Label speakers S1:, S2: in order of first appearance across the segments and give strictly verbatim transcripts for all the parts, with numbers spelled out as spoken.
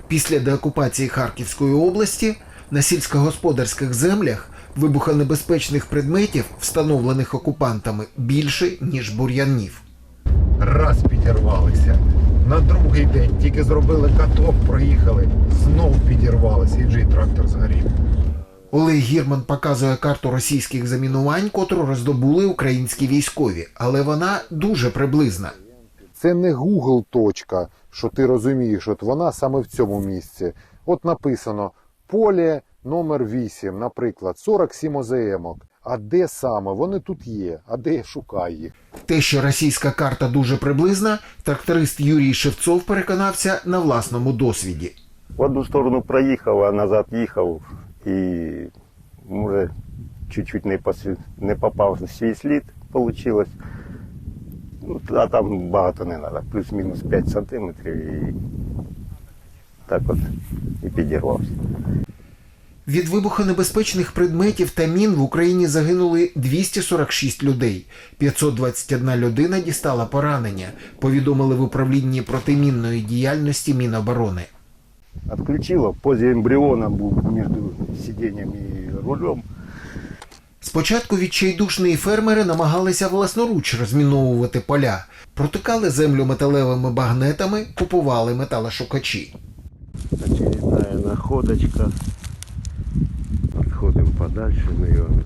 S1: Після деокупації Харківської області на сільськогосподарських землях вибухонебезпечних предметів, встановлених окупантами, більше, ніж бур'янів.
S2: Раз підірвалися. На другий день тільки зробили каток, проїхали, знов підірвалися, і джей трактор згорів.
S1: Олег Гірман показує карту російських замінувань, котру роздобули українські військові, але вона дуже приблизна.
S2: Це не Google точка, що ти розумієш, от вона саме в цьому місці. От написано поле номер вісім, наприклад, сорок сім о зе емок. А де саме? Вони тут є. А де я шукаю їх?
S1: Те, що російська карта дуже приблизна, тракторист Юрій Шевцов переконався на власному досвіді.
S3: В одну сторону проїхав, а назад їхав і, може, чуть-чуть не, пос... не попав в свій слід, вийшло. Ну, а там багато не треба, плюс-мінус п'ять сантиметрів і так от і підірвався.
S1: Від вибухонебезпечних предметів та мін в Україні загинули двісті сорок шість людей. п'ятсот двадцять одна людина дістала поранення, повідомили в управлінні протимінної діяльності Міноборони.
S3: Отключило, позі ембріона був між сидінням і рулем.
S1: Спочатку відчайдушні фермери намагалися власноруч розміновувати поля, протикали землю металевими багнетами, купували металошукачі.
S3: Очередная находочка. Отходим подальше, наверное.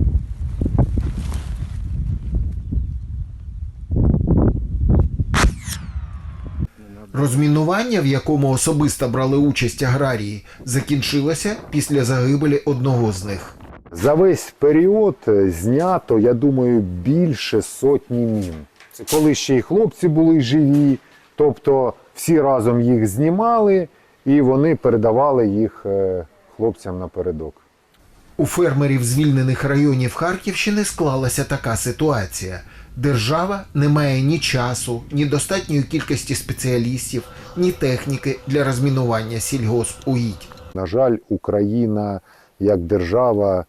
S1: Розмінування, в якому особисто брали участь аграрії, закінчилося після загибелі одного з них.
S2: За весь період знято, я думаю, більше сотні мін. Це коли ще й хлопці були живі, тобто всі разом їх знімали і вони передавали їх хлопцям напередок.
S1: У фермерів звільнених районів Харківщини склалася така ситуація. Держава не має ні часу, ні достатньої кількості спеціалістів, ні техніки для розмінування сільгоспугідь.
S2: На жаль, Україна як держава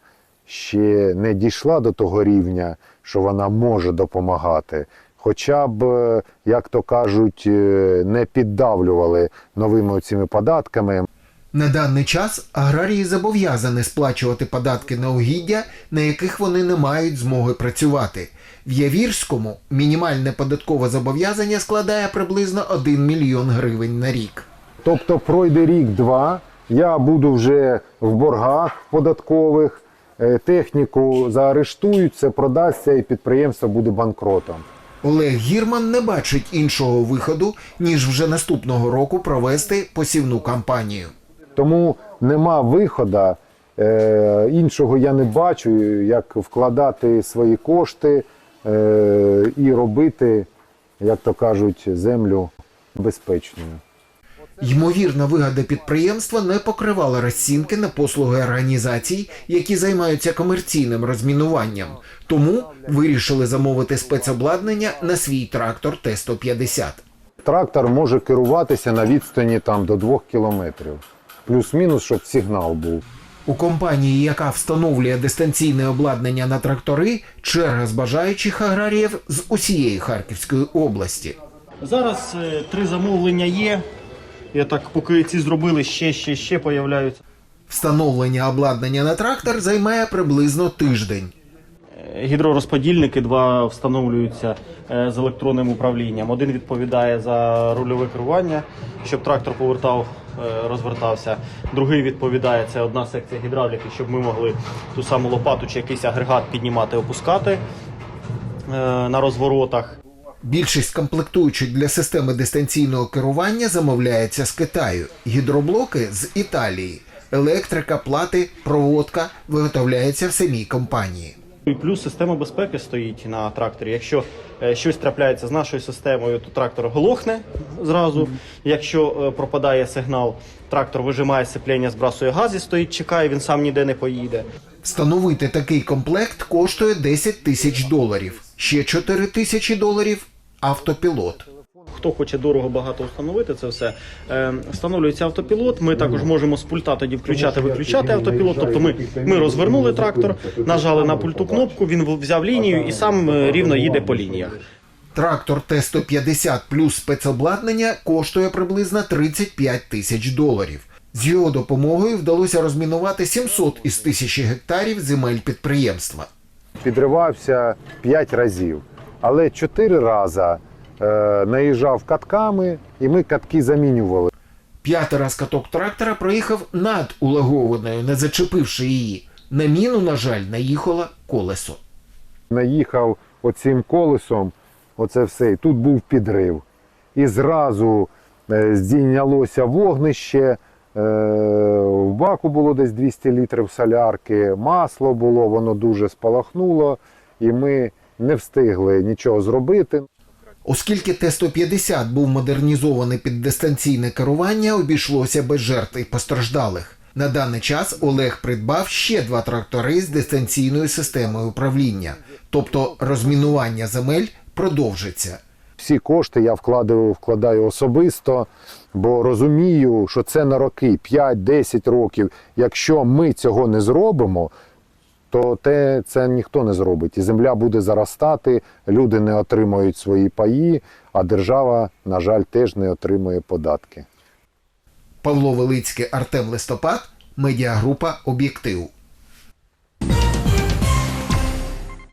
S2: ще не дійшла до того рівня, що вона може допомагати. Хоча б, як то кажуть, не піддавлювали новими цими податками.
S1: На даний час аграрії зобов'язані сплачувати податки на угіддя, на яких вони не мають змоги працювати. В Явірському мінімальне податкове зобов'язання складає приблизно один мільйон гривень на рік.
S2: Тобто пройде рік-два, я буду вже в боргах податкових, техніку заарештують, це продасться і підприємство буде банкротом.
S1: Олег Гірман не бачить іншого виходу, ніж вже наступного року провести посівну кампанію.
S2: Тому нема виходу, е, іншого я не бачу, як вкладати свої кошти е, і робити, як то кажуть, землю безпечною.
S1: Ймовірна вигода підприємства не покривала розцінки на послуги організацій, які займаються комерційним розмінуванням. Тому вирішили замовити спецобладнання на свій трактор Т сто п'ятдесят.
S2: Трактор може керуватися на відстані там, до двох кілометрів. Плюс-мінус, щоб сигнал був.
S1: У компанії, яка встановлює дистанційне обладнання на трактори, черга з бажаючих аграріїв з усієї Харківської області.
S4: Зараз е, три замовлення є. Я так, поки ці зробили, ще, ще, ще появляються.
S1: Встановлення обладнання на трактор займає приблизно тиждень.
S4: Гідророзподільники два встановлюються з електронним управлінням. Один відповідає за рульове керування, щоб трактор повертав, розвертався. Другий відповідає, це одна секція гідравліки, щоб ми могли ту саму лопату чи якийсь агрегат піднімати, опускати на розворотах.
S1: Більшість комплектуючих для системи дистанційного керування замовляється з Китаю. Гідроблоки – з Італії. Електрика, плати, проводка виготовляється в самій компанії.
S4: І плюс система безпеки стоїть на тракторі. Якщо е, щось трапляється з нашою системою, то трактор глохне зразу. Якщо е, пропадає сигнал, трактор вижимає сцеплення, збрасує газ і стоїть, чекає, він сам ніде не поїде.
S1: Встановити такий комплект коштує десять тисяч доларів. Ще чотири тисячі доларів – автопілот.
S4: Хто хоче дорого багато встановити це все, е, встановлюється автопілот. Ми також можемо з пульта тоді включати-виключати автопілот. Тобто ми, ми розвернули трактор, нажали на пульту кнопку, він взяв лінію і сам рівно їде по лініях.
S1: Трактор Т сто п'ятдесят плюс спецобладнання коштує приблизно тридцять п'ять тисяч доларів. З його допомогою вдалося розмінувати сімсот із тисячі гектарів земель підприємства.
S2: Підривався п'ять разів, але чотири рази е, наїжджав катками, і ми катки замінювали.
S1: П'ятий раз каток трактора проїхав над улагованою, не зачепивши її. На міну, на жаль, наїхало колесо.
S2: Наїхав оцим колесом, оце все, і тут був підрив. І зразу е, здійнялося вогнище, е, в баку було десь двісті літрів солярки, масло було, воно дуже спалахнуло, і ми не встигли нічого зробити.
S1: Оскільки Т сто п'ятдесят був модернізований під дистанційне керування, обійшлося без жертв і постраждалих. На даний час Олег придбав ще два трактори з дистанційною системою управління. Тобто розмінування земель продовжиться.
S2: Всі кошти я вкладаю, вкладаю особисто, бо розумію, що це на роки, п'ять-десять років. Якщо ми цього не зробимо, то те, це ніхто не зробить. І земля буде заростати, люди не отримають свої паї, а держава, на жаль, теж не отримує податки.
S1: Павло Велицький, Артем Листопад, медіагрупа «Об'єктив».